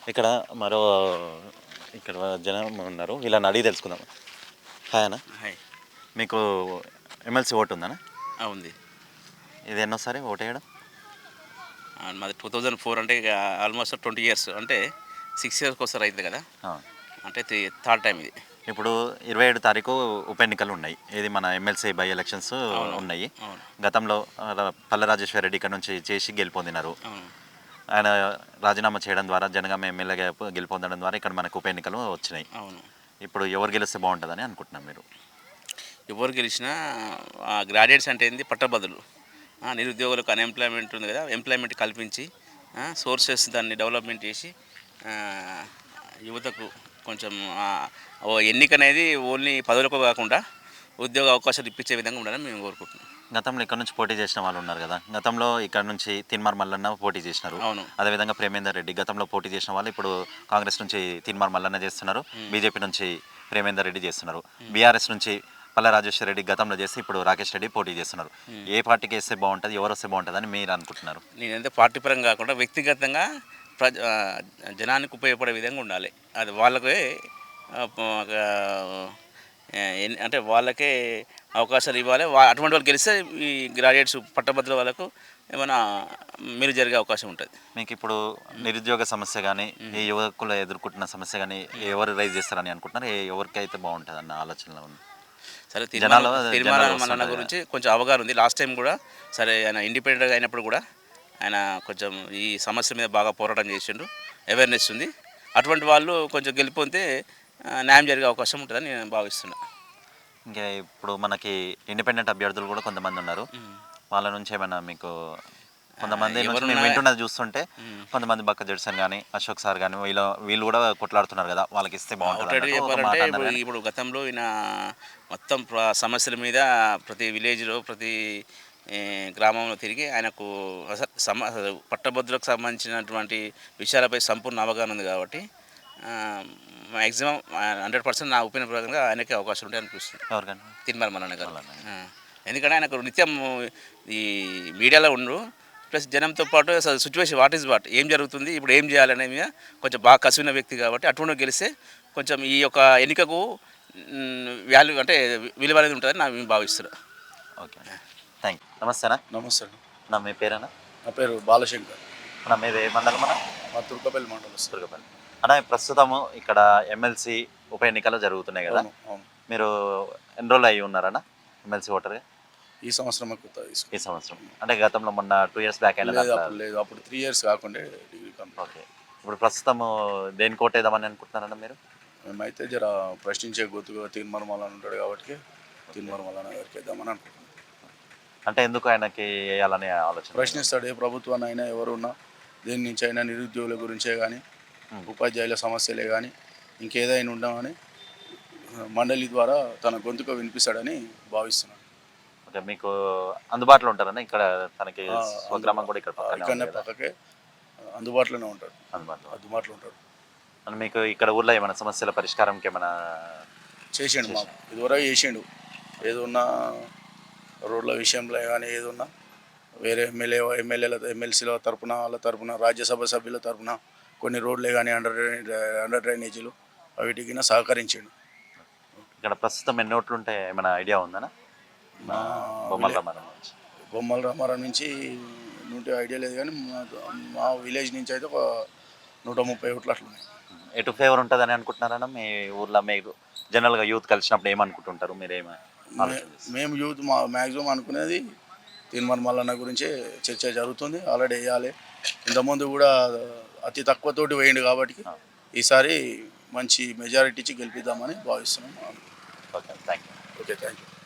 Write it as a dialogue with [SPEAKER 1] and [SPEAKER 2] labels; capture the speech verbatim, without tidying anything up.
[SPEAKER 1] ఇక్కడ మరో ఇక్కడ జనం ఉన్నారు. వీళ్ళని అడిగి తెలుసుకుందాం. హాయ్ అన్న.
[SPEAKER 2] హాయ్.
[SPEAKER 1] మీకు ఎమ్మెల్సీ ఓటు ఉందన్న?
[SPEAKER 2] ఉంది.
[SPEAKER 1] ఇది ఎన్నోసారి ఓటు వేయడం?
[SPEAKER 2] మాది టూ థౌజండ్ ఫోర్ అంటే ఇక ఆల్మోస్ట్ ట్వంటీ ఇయర్స్ అంటే సిక్స్ ఇయర్స్కి ఒకసారి అవుతుంది కదా, అంటే త్రీ థర్డ్ టైం ఇది.
[SPEAKER 1] ఇప్పుడు ఇరవై ఏడు తారీఖు ఉప ఎన్నికలు ఉన్నాయి. ఇది మన ఎమ్మెల్సీ బై ఎలక్షన్స్ ఉన్నాయి. గతంలో పల్ల రాజేశ్వర రెడ్డి ఇక్కడ నుంచి చేసి గెలుపొందినారు. ఆయన రాజీనామా చేయడం ద్వారా జనగామ ఎమ్మెల్యేగా గెలుపొందడం ద్వారా ఇక్కడ మనకు ఉప ఎన్నికలు వచ్చినాయి.
[SPEAKER 2] అవును.
[SPEAKER 1] ఇప్పుడు ఎవరు గెలిస్తే బాగుంటుందని అనుకుంటున్నాం మీరు?
[SPEAKER 2] ఎవరు గెలిచినా గ్రాడ్యుయేట్స్ అంటే ఏంది, పట్టభద్రులు, నిరుద్యోగులకు అన్ఎంప్లాయ్మెంట్ ఉంది కదా, ఎంప్లాయ్మెంట్ కల్పించి సోర్సెస్ దాన్ని డెవలప్మెంట్ చేసి యువతకు కొంచెం ఎన్నిక అనేది ఓన్లీ పదవులకు కాకుండా ఉద్యోగ అవకాశాలు ఇప్పించే విధంగా ఉండాలని మేము కోరుకుంటున్నాం.
[SPEAKER 1] గతంలో ఇక్కడ నుంచి పోటీ చేసిన వాళ్ళు ఉన్నారు కదా, గతంలో ఇక్కడ నుంచి తిన్మార్ మల్లన్న పోటీ చేసినారు.
[SPEAKER 2] అవును.
[SPEAKER 1] అదేవిధంగా ప్రేమేందర్ రెడ్డి గతంలో పోటీ చేసిన వాళ్ళు ఇప్పుడు కాంగ్రెస్ నుంచి తిన్మార్ మల్లన్న చేస్తున్నారు, బీజేపీ నుంచి ప్రేమేందర్ రెడ్డి చేస్తున్నారు, బీఆర్ఎస్ నుంచి పల్ల రాజేశ్వర రెడ్డి గతంలో చేసి ఇప్పుడు రాకేష్ రెడ్డి పోటీ చేస్తున్నారు. ఏ పార్టీకి వేస్తే బాగుంటుంది, ఎవరు వస్తే బాగుంటుంది అని మీరు అనుకుంటున్నారు?
[SPEAKER 2] నేనంటే పార్టీ పరంగా కాకుండా వ్యక్తిగతంగా ప్రజ జనానికి ఉపయోగపడే విధంగా ఉండాలి. అది వాళ్ళకే అంటే వాళ్ళకే అవకాశాలు ఇవ్వాలి. అటువంటి వాళ్ళు గెలిస్తే ఈ గ్రాడ్యుయేట్స్ పట్టభద్రుల వాళ్ళకు ఏమైనా మీరు జరిగే అవకాశం ఉంటుంది.
[SPEAKER 1] మీకు ఇప్పుడు నిరుద్యోగ సమస్య కానీ ఈ యువకులు ఎదుర్కొంటున్న సమస్య కానీ ఎవరు రైజ్ చేస్తారని అనుకుంటున్నారు? ఎవరికి అయితే బాగుంటుంది అన్న ఆలోచనలో ఉంది.
[SPEAKER 2] సరే, తిరుమల మల్లన్న గురించి కొంచెం అవగాహన ఉంది. లాస్ట్ టైం కూడా సరే ఆయన ఇండిపెండెంట్గా అయినప్పుడు కూడా ఆయన కొంచెం ఈ సమస్య మీద బాగా పోరాటం చేసిండు, అవేర్నెస్ ఉంది. అటువంటి వాళ్ళు కొంచెం గెలిపోతే న్యాయం జరిగే అవకాశం ఉంటుందని నేను భావిస్తున్నా.
[SPEAKER 1] ఇంకా ఇప్పుడు మనకి ఇండిపెండెంట్ అభ్యర్థులు కూడా కొంతమంది ఉన్నారు. వాళ్ళ నుంచి ఏమైనా మీకు కొంతమంది మేము వింటున్నది చూస్తుంటే కొంతమంది బక్క జడ్సన్ కానీ అశోక్ సార్ కానీ వీళ్ళు వీళ్ళు కూడా కొట్లాడుతున్నారు కదా, వాళ్ళకి ఇస్తే బాగుంటుంది
[SPEAKER 2] చెప్పాలంటే ఇప్పుడు గతంలో ఈయన మొత్తం సమస్యల మీద ప్రతి విలేజ్లో ప్రతి గ్రామంలో తిరిగి ఆయనకు సమ పట్టభద్రులకు సంబంధించినటువంటి విషయాలపై సంపూర్ణ అవగాహన ఉంది కాబట్టి మ్యాక్సిమం హండ్రెడ్ పర్సెంట్ నా ఒపీనియన్ ప్రకారంగా ఆయనకే అవకాశం ఉంటాయి అనిపిస్తుంది.
[SPEAKER 1] ఎవరికైనా
[SPEAKER 2] తిరుమల మల్లన్న గారు. ఎందుకంటే ఆయనకు నిత్యం ఈ మీడియాలో ఉండు, ప్లస్ జనంతో పాటు సిచ్యువేషన్ వాట్ ఈజ్ వాట్ ఏం జరుగుతుంది, ఇప్పుడు ఏం చేయాలనే మీద కొంచెం బాగా కసివిన వ్యక్తి కాబట్టి అటువంటి గెలిస్తే కొంచెం ఈ యొక్క ఎన్నికకు వాల్యూ అంటే విలువ అనేది ఉంటుందని నేను భావిస్తున్నాను.
[SPEAKER 1] Okay, thank you. నమస్తేనా?
[SPEAKER 3] నమస్తే
[SPEAKER 1] నా మీ పేరేనా?
[SPEAKER 3] నా పేరు బాలశంకర్.
[SPEAKER 1] నా మీద ఏ మండలం అన్న?
[SPEAKER 3] మా తుర్కపల్లి మండలం.
[SPEAKER 1] తుర్కపల్లి అన్న. ప్రస్తుతము ఇక్కడ ఎమ్మెల్సీ ఉప ఎన్నికలు జరుగుతున్నాయి కదా, మీరు ఎన్రోల్ అయ్యి ఉన్నారన్న ఎమ్మెల్సీ ఓటర్గా?
[SPEAKER 3] ఈ సంవత్సరం
[SPEAKER 1] ఈ సంవత్సరం అంటే గతంలో మొన్న టూ ఇయర్స్ బ్యాక్ అయినా
[SPEAKER 3] లేదు, అప్పుడు త్రీ ఇయర్స్ కాకుండా డిగ్రీ కంప్లీట్.
[SPEAKER 1] ఓకే, ఇప్పుడు ప్రస్తుతం దేని కోటేద్దామని అనుకుంటున్నారన్న మీరు?
[SPEAKER 3] మేమైతే జర ప్రశ్నించే గుర్తుగా తిరుమల మల్లన్న ఉంటాడు కాబట్టి తిరుమల మల్లన్న గారికి వేద్దామని అనుకుంటున్నాం.
[SPEAKER 1] అంటే ఎందుకు ఆయనకి వేయాలనే ఆలోచన?
[SPEAKER 3] ప్రశ్నిస్తాడు ఏ ప్రభుత్వాన్ని అయినా, ఎవరున్నా దేని నుంచి అయినా, నిరుద్యోగుల గురించే కానీ ఉపాధ్యాయుల సమస్యలే కానీ ఇంకేదైనా ఉండమని మండలి ద్వారా తన గొంతుకు వినిపిస్తాడని భావిస్తున్నాను.
[SPEAKER 1] ఓకే, మీకు అందుబాటులో ఉంటారన్న ఇక్కడ? తనకి స్వగ్రామం కూడా ఇక్కడ
[SPEAKER 3] ఇక్కడనే పక్కకే అందుబాటులోనే ఉంటాడు.
[SPEAKER 1] అందుబాటులో
[SPEAKER 3] అందుబాటులో ఉంటాడు.
[SPEAKER 1] మీకు ఇక్కడ ఊర్లో ఏమైనా సమస్యల పరిష్కారంకి ఏమైనా
[SPEAKER 3] చేసిండు? మాకు ఇదివరకు చేసిండు. ఏదున్నా రోడ్ల విషయంలో కానీ ఏదున్నా వేరే ఎమ్మెల్యే ఎమ్మెల్యేల ఎమ్మెల్సీల తరఫున వాళ్ళ తరఫున రాజ్యసభ సభ్యుల తరఫున కొన్ని రోడ్లే కానీ అండర్ అండర్ డ్రైనేజీలు వీటికి సహకరించిండు.
[SPEAKER 1] ఇక్కడ ప్రస్తుతం ఎన్ని ఓట్లు ఉంటాయి ఏమైనా ఐడియా ఉందనా? బొమ్మల రామారం నుంచి
[SPEAKER 3] బొమ్మల రామారం నుంచి నూట ఐడియా లేదు కానీ మా విలేజ్ నుంచి అయితే ఒక నూట ముప్పై ఓట్లు అట్లున్నాయి.
[SPEAKER 1] ఎటు ఫేవర్ ఉంటుందని అనుకుంటున్నారన్న మీ ఊర్లో? మీరు జనరల్గా యూత్ కలిసినప్పుడు ఏమనుకుంటుంటారు మీరేమో?
[SPEAKER 3] మేము యూత్ మా మ్యాక్సిమం అనుకునేది తిరుమల మల్లన్న గురించే చర్చ జరుగుతుంది. ఆల్రెడీ వేయాలి, ఇంతకుముందు కూడా అతి తక్కువతోటి వేయండి కాబట్టి ఈసారి మంచి మెజారిటీ ఇచ్చి గెలిపిద్దామని భావిస్తున్నాం.
[SPEAKER 1] Okay, thank you.
[SPEAKER 3] Okay, thank you.